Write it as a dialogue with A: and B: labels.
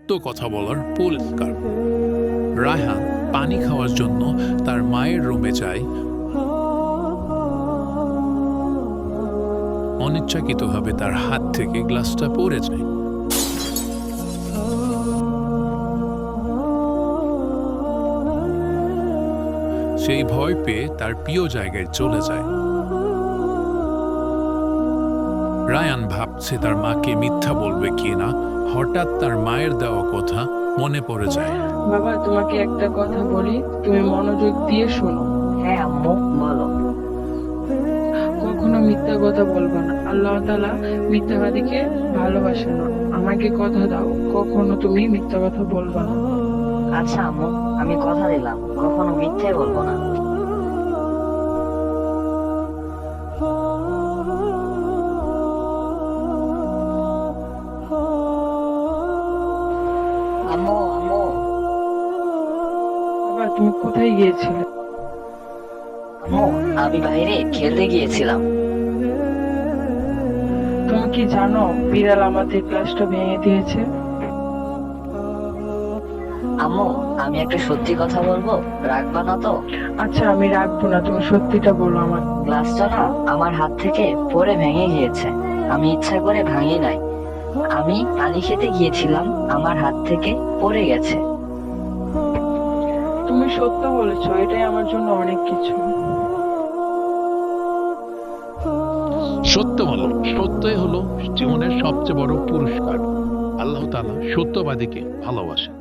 A: সত্য কথা বলার পুরস্কার। রায়হান পানি খাওয়ার জন্য তার মায়ের রুমে যায়। অনিচ্ছাকৃতভাবে তার হাত থেকে গ্লাসটা পড়ে যায়। সেই ভয় পেয়ে তার প্রিয় জায়গায় চলে যায়। রায়ান ভাবছে তার মাকে মিথ্যা বলবে কিনা, হঠাৎ তার মায়ের দেওয়া কথা মনে পড়ে যায়।
B: বাবা, তোমাকে একটা কথা বলি, তুমি মনোযোগ দিয়ে শোনো।
C: হ্যাঁ আম্মু, বলো।
B: কখনো মিথ্যা কথা বলবো না। আল্লাহ তাআলা মিথ্যাবাদীকে ভালোবাসে না। আমাকে কথা দাও, কখনো তুমি মিথ্যা কথা বলবা না।
C: আচ্ছা আম্মু, আমি কথা দিলাম কখনো মিথ্যে বলবো না। আম্মু আম্মু
B: বাবা, তুমি কোথায় গিয়েছিলে?
C: আম্মু, আমি বাইরে খেলতে গিয়েছিলাম।
B: তুমি কি জানো বিড়াল আমাদের গ্লাসটা ভেঙে দিয়েছে?
C: আম্মু, আমি একটা সত্যি কথা বলবো, রাখবা না তো?
B: আচ্ছা, আমি রাখবো না, তুমি সত্যিটা বলো আমার।
C: গ্লাসটা না আমার হাত থেকে পড়ে ভেঙে গিয়েছে। আমি ইচ্ছা করে ভাঙি নাই। আমি পানি খেতে গিয়েছিলাম, আমার হাত থেকে পড়ে গেছে।
B: তুমি সত্য বলেছো, এটাই আমার জন্য অনেক কিছু।
A: সত্য বলো, সত্যই হলো জীবনের সবচেয়ে বড় পুরস্কার। আল্লাহ তাআলা সত্যবাদীকে ভালোবাসেন।